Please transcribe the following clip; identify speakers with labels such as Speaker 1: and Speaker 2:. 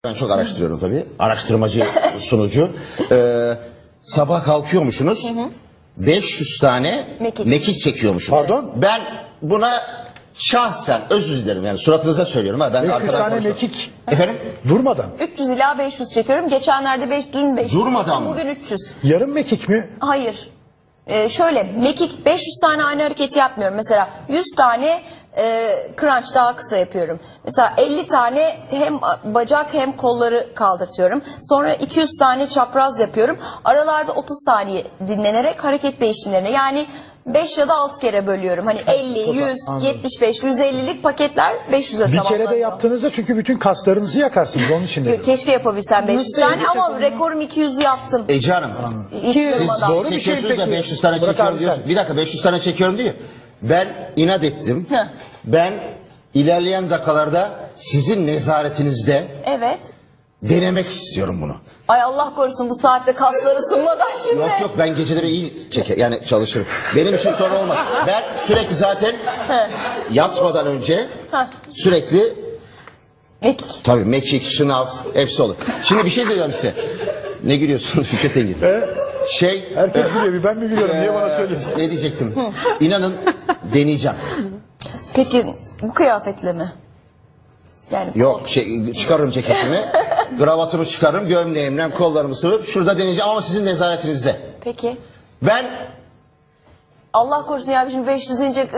Speaker 1: Ben çok araştırıyorum tabii. Araştırmacı, sunucu. Sabah kalkıyormuşsunuz. 500 tane mekik çekiyormuşsunuz.
Speaker 2: Pardon?
Speaker 1: Ben buna şahsen özür dilerim. Yani suratınıza söylüyorum. Ha. Ben
Speaker 2: 500
Speaker 1: arkadan
Speaker 2: tane
Speaker 1: konuşmam.
Speaker 2: mekik.
Speaker 1: Efendim?
Speaker 2: Durmadan.
Speaker 3: 300 ila 500 çekiyorum. Geçenlerde dün 500.
Speaker 1: Durmadan mı?
Speaker 3: Bugün 300.
Speaker 2: Yarım mekik mi?
Speaker 3: Hayır. Şöyle mekik 500 tane aynı hareketi yapmıyorum. Mesela 100 tane crunch daha kısa yapıyorum. Mesela 50 tane hem bacak hem kolları kaldırtıyorum. Sonra 200 tane çapraz yapıyorum. Aralarda 30 saniye dinlenerek hareket değişimlerini yani 5 ya da 6 kere bölüyorum. Hani 50, 100,
Speaker 2: Anladım.
Speaker 3: 75, 150'lik paketler 500'e
Speaker 2: Bir
Speaker 3: tamamlanıyor.
Speaker 2: kere de yaptığınızda çünkü bütün kaslarınızı yakarsınız onun için dedim.
Speaker 3: Keşke yapabilsem 500 tane ama rekorum 200'ü yaptım.
Speaker 1: Ece Hanım.
Speaker 3: Hiç
Speaker 1: Siz
Speaker 3: durmadan.
Speaker 2: doğru bir şey
Speaker 1: çekiyorsunuz da
Speaker 2: peki.
Speaker 1: 500 tane
Speaker 2: Burak
Speaker 1: çekiyorum
Speaker 2: abi
Speaker 1: diyorsun.
Speaker 2: sen.
Speaker 1: Bir dakika 500 tane çekiyorum diyor. Ben inat ettim.
Speaker 3: Heh.
Speaker 1: Ben ilerleyen dakikalarda sizin nezaretinizde
Speaker 3: Evet.
Speaker 1: denemek istiyorum bunu.
Speaker 3: Ay Allah korusun bu saatte kasları ısınmadan şimdi.
Speaker 1: Yok yok ben geceleri iyi yani çalışırım. Benim için sorun olmaz. Ben sürekli zaten yatmadan önce
Speaker 3: Heh.
Speaker 1: sürekli
Speaker 3: Mekik.
Speaker 1: tabii mekik, şınav hepsi olur. Şimdi bir şey diyeceğim size. Ne gülüyorsunuz Fikret Engin?
Speaker 2: Herkes gülüyor, bir ben mi gülüyorum? Niye bana söylüyorsun?
Speaker 1: Ne diyecektim? İnanın deneyeceğim.
Speaker 3: Peki bu kıyafetle mi? Yani
Speaker 1: Yok çıkarırım ceketimi, kravatımı çıkarırım, gömleğimden kollarımı sıvıp şurada deneyeceğim ama sizin nezaretinizde.
Speaker 3: Peki.
Speaker 1: Ben
Speaker 3: Allah korusun ya şimdi 500 deyince